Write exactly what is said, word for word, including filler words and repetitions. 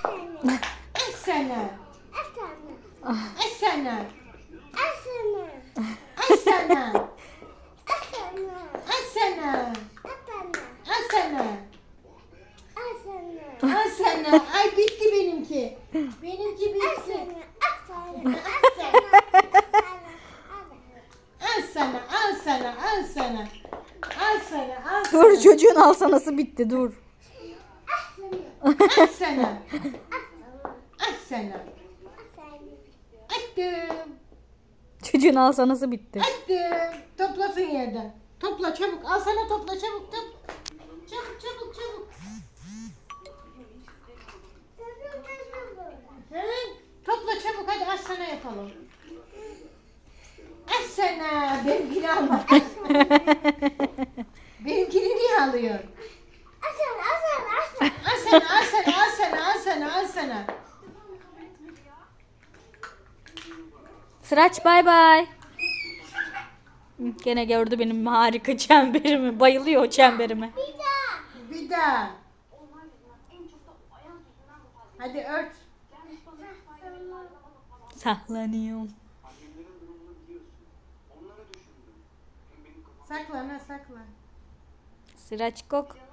Esene. Ah, Esene. Esene. Esene. Esene. Esene. Ay bitti benimki. Benimki bitti. Al sana, al sana, al sana. Al sana, al sana. dur çocuğun alsanası bitti dur. Al sana. Al sana. Attım. Çocuğun alsanası bitti. Attım. Toplasın yerden. Topla çabuk. Al sana topla çabuk. Çabuk. Çabuk çabuk çabuk. Hı? Topla çabuk hadi al sana yapalım. Al sana. Benimkini alma. Benimkini niye alıyor? Al sana, al sana, al sana, al sana, al sana. Sıraç bay bay. Gene gördü benim harika çemberimi. Bayılıyor o çemberime. Bir daha. Hadi ört. Saklanıyorum. Saklan ha saklan. Sıraç kok.